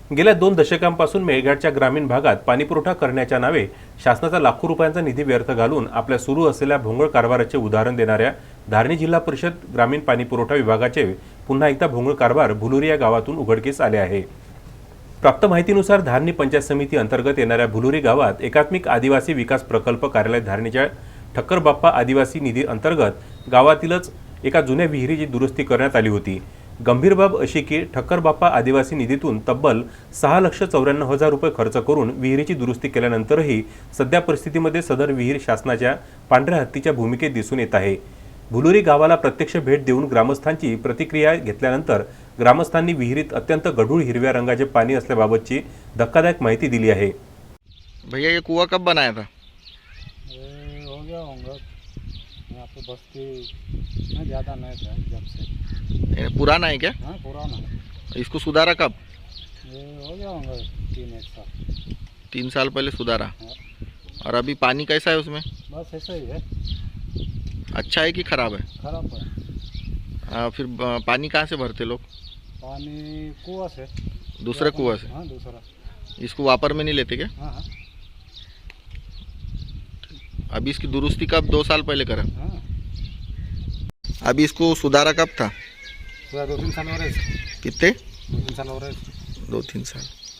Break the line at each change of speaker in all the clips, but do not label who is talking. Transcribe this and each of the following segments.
गेल्या 2 दशकांपासून मेळघाटच्या ग्रामीण भागात पाणीपुरवठा करण्याच्या नावे शासनाचा लाखो रुपयांचा निधी व्यर्थ घालून आपल्या सुरू असलेल्या भोंगळ कारभाराचे उदाहरण देणाऱ्या धारणी जिल्हा परिषद ग्रामीण पाणीपुरवठा विभागाचे पुन्हा एकदा भोंगळ कारभार भुलुरी या गावातून उघडकीस आले आहे। प्राप्त माहितीनुसार धारणी पंचायत समिती अंतर्गत येणाऱ्या भुलुरी गावात एकात्मिक आदिवासी विकास प्रकल्प कार्यालय धारणीच्या ठक्कर बाप्पा आदिवासी निधी अंतर्गत गावातीलच एका जुन्या विहिरीची दुरुस्ती करण्यात आली होती। गंभीर बाब अशी की ठक्कर बाप्पा आदिवासी निधीतून तब्बल 6,94,000 रुपये खर्च करून विहिरीची दुरुस्ती केल्यानंतरही सध्या परिस्थितीमध्ये सदर विहीर शासनाच्या पांढऱ्या हत्तीच्या भूमिकेत दिसून येत आहे। भुलुरी गावाला प्रत्यक्ष भेट देऊन ग्रामस्थांची प्रतिक्रिया घेतल्यानंतर ग्रामस्थांनी विहिरीत अत्यंत गढूळ हिरव्या रंगाचे पाणी असल्याबाबतची धक्कादायक माहिती दिली आहे।
भैया ये कुआं कब बनाया था?
ये हो गया होगा यहाँ पे बस्ती में ज़्यादा नहीं था जब से।
ये पुराना है क्या?
हाँ पुराना है।
इसको सुधारा कब?
ये हो गया होगा 3-1 साल।
3 साल पहले सुधारा।
हाँ।
और अभी पानी कैसा है उसमें?
बस ऐसा ही है।
अच्छा है कि खराब है?
खराब है।
फिर पानी कहाँ से भरते लोग?
पानी कुआं से।
दूसरे कुआं से?
हाँ दूसरा।
इसको वापर में नहीं लेते क्या?
हाँ हाँ।
अभी इसकी दुरुस्ती कब? 2 साल पहले करा।
हाँ
अभी इसको सुधारा कब था?
2-3 साल हो रहे।
कितने?
2-3 साल हो रहे।
2-3 साल।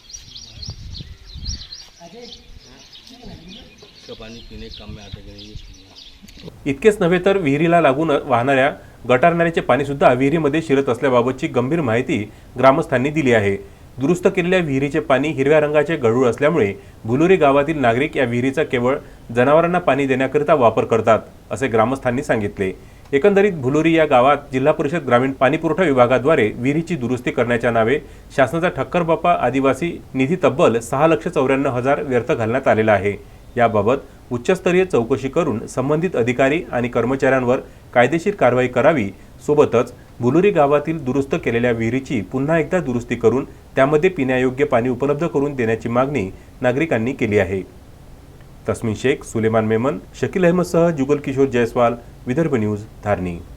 पानी पीने के काम में आता है।
इतकेच नव्हे तर विहिरीला लागून वाहणाऱ्या गटारनाल्याचे पाणी सुद्धा विहिरीमध्ये शिरत असल्याबाबतची गंभीर माहिती ग्रामस्थांनी दिली आहे। दुरुस्त केलेल्या विहिरीचे पाणी हिरव्या रंगाचे गढूळ असल्यामुळे भुलुरी गावातील नागरिक या विहिरीचा केवळ जनावरांना पाणी देण्याकरिता वापर करतात असे ग्रामस्थांनी सांगितले। एकंदरीत भुलुरी या गावात जिल्हा परिषद ग्रामीण पाणीपुरवठा विभागाद्वारे विहिरीची दुरुस्ती करण्याच्या नावे शासनाचा ठक्कर बाप्पा आदिवासी निधी तब्बल 6,94,000 व्यर्थ घालण्यात आलेला आहे। याबाबत उच्चस्तरीय चौकशी करून संबंधित अधिकारी आणि कर्मचाऱ्यांवर कायदेशीर कारवाई करावी। सोबतच भुलुरी गावातील दुरुस्त केलेल्या विहिरीची पुन्हा एकदा दुरुस्ती करून त्यामध्ये पिण्यायोग्य पाणी उपलब्ध करून देण्याची मागणी नागरिकांनी केली आहे। तस्मीन शेख, सुलेमान मेमन, शकील अहमदसह जुगल किशोर जयस्वाल, विदर्भ न्यूज, धारणी।